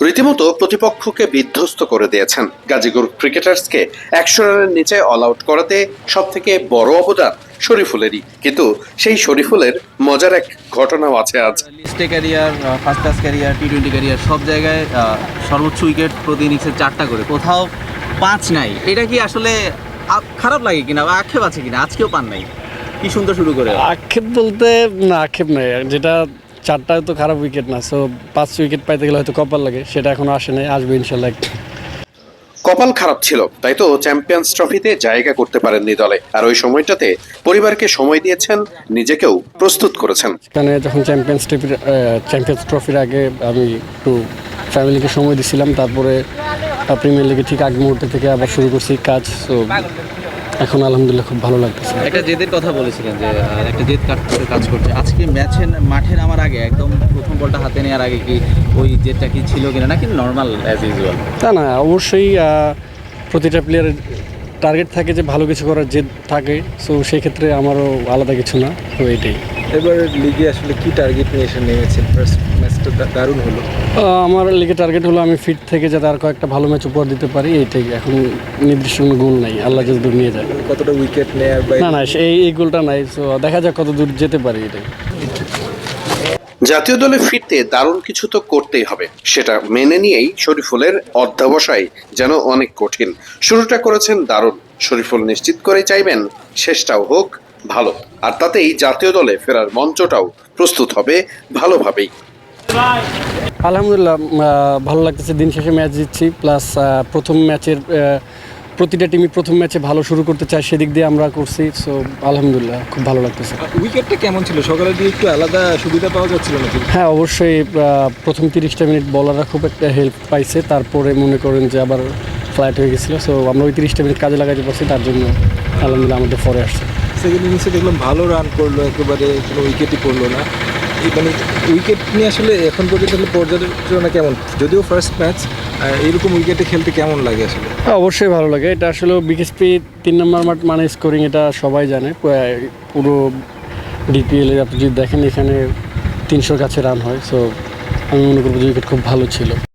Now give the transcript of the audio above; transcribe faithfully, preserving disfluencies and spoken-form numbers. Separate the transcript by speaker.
Speaker 1: রীতিমতো প্রতিপক্ষকে বিধ্বস্ত করে দিয়েছেন। গাজীপুর ক্রিকেটার্সকে একশো রানের নিচে অল আউট করাতে সব থেকে বড় অবদান শরীফুলেরই। কিন্তু সেই শরীফুলের মজার এক ঘটনাও আছে আজ।
Speaker 2: লিস্টে career, first class career, T twenty career, সব জায়গায় সর্বোচ্চ উইকেট প্রতি ইনিংসে চারটা করে, কোথাও পাঁচ নাই। এটা কি আসলে খারাপ লাগে কিনা, আক্ষেপ আছে কিনা? আজকেও পান নাই, কি সুন্দর শুরু করে।
Speaker 3: আক্ষেপ বলতে না, আক্ষেপ নাই, যেটা চারটায় তো খারাপ উইকেট না, সো পাঁচ উইকেট পাইতে গেলে হয়তো কপাল লাগে, সেটা এখনো আসে নাই, আসবে ইনশাল্লাহ।
Speaker 1: কপাল খারাপ ছিল, তাই তো চ্যাম্পিয়ন্স ট্রফিতে জায়গা করতে পারেননি দলে। আর ওই সময়টাতে পরিবারকে সময় দিয়েছেন, নিজেকেও প্রস্তুত করেছেন।
Speaker 3: এখানে যখন চ্যাম্পিয়ন্স ট্রফির চ্যাম্পিয়ন্স ট্রফির আগে আমি একটু ফ্যামিলিকে সময় দিছিলাম, তারপরে প্রিমিয়ার লিগে ঠিক আগ মুহূর্তে থেকে আবার শুরু করছি কাজ। সো এখন আলহামদুলিল্লাহ খুব ভালো লাগতেছে।
Speaker 2: একটা জেদের কথা বলেছিলেন যে একটা জেদ কাজ করছে। আজকে ম্যাচে মাঠে নামার আগে, একদম প্রথম বলটা হাতে নেওয়ার আগে কি ওই জেদটা কি ছিল কিনা, নাকি নর্মাল অ্যাজ ইউজুয়াল?
Speaker 3: তা না, অবশ্যই প্রতিটা প্লেয়ারের টার্গেট থাকে যে ভালো কিছু করার জেদ থাকে। সো সেই ক্ষেত্রে আমারও আলাদা কিছু না, তো এইটাই।
Speaker 4: এবার লিগে আসলে কি টার্গেট নিয়ে এসে নেমেছেন? ফার্স্ট ম্যাচটা দারুণ হলো।
Speaker 3: আমার লিগে টার্গেট হলো আমি ফিট থেকে যাতে আর কয়েকটা ভালো ম্যাচ উপহার দিতে পারি, এইটাই। এখন নির্দিষ্ট কোনো গোল নাই, আল্লাহ যদি দূর নিয়ে যায়।
Speaker 4: কতটা উইকেট নেয়ার বা
Speaker 3: না না, এই এই গোলটা নাই। সো দেখা যাক কত দূর যেতে পারি, এটাই।
Speaker 1: জাতীয় দলে ফিরতে দারুণ কিছু তো করতেই হবে, সেটা মেনে নিয়েই শরীফুলের অধ্যবসায় যেন অনেক কঠিন। শুরুটা করেছেন দারুণ, শরীফুল নিশ্চিত করে চাইবেন শেষটাও হোক ভালো, আর তাতেই জাতীয় দলে ফেরার মঞ্চটাও প্রস্তুত হবে ভালোভাবেই।
Speaker 3: আলহামদুলিল্লাহ ভালো লাগতেছে, দিন শেষে ম্যাচ জিতছি, প্লাস প্রথম ম্যাচের প্রতিটা টিমই প্রথম ম্যাচে ভালো শুরু করতে চায়, সেদিক দিয়ে আমরা করছি। সো আলহামদুলিল্লাহ খুব ভালো লাগতেছে।
Speaker 4: উইকেটটা কেমন ছিল সকালের দিকে? একটু আলাদা সুবিধা পাওয়া যাচ্ছিল নাকি?
Speaker 3: হ্যাঁ, অবশ্যই প্রথম তিরিশটা মিনিট বলাররা খুব একটা হেল্প পাইছে, তারপরে মনে করেন যে আবার ফ্লাইট হয়ে গেছিলো। সো আমরা ওই তিরিশটা মিনিট কাজে লাগাতে পারছি, তার জন্য আলহামদুলিল্লাহ আমাদের পরে আসছে।
Speaker 4: সেকেন্ড ইনিংসে দেখলাম ভালো রান করলো, একেবারে কোনো উইকেটই পড়লো না। এই মানে উইকেট নিয়ে আসলে এখন পর্যন্ত পর্যালোচনা কেমন? যদিও ফার্স্ট ম্যাচ, এইরকম উইকেটে খেলতে কেমন লাগে আসলে?
Speaker 3: হ্যাঁ, অবশ্যই ভালো লাগে। এটা আসলে বিকেএসপি তিন নম্বর মাঠ মানে স্কোরিং, এটা সবাই জানে। পুরো ডিপিএলে আপনি যদি দেখেন, এখানে তিনশোর কাছে রান হয়। সো আমি মনে করবো যে উইকেট খুব ভালো ছিল।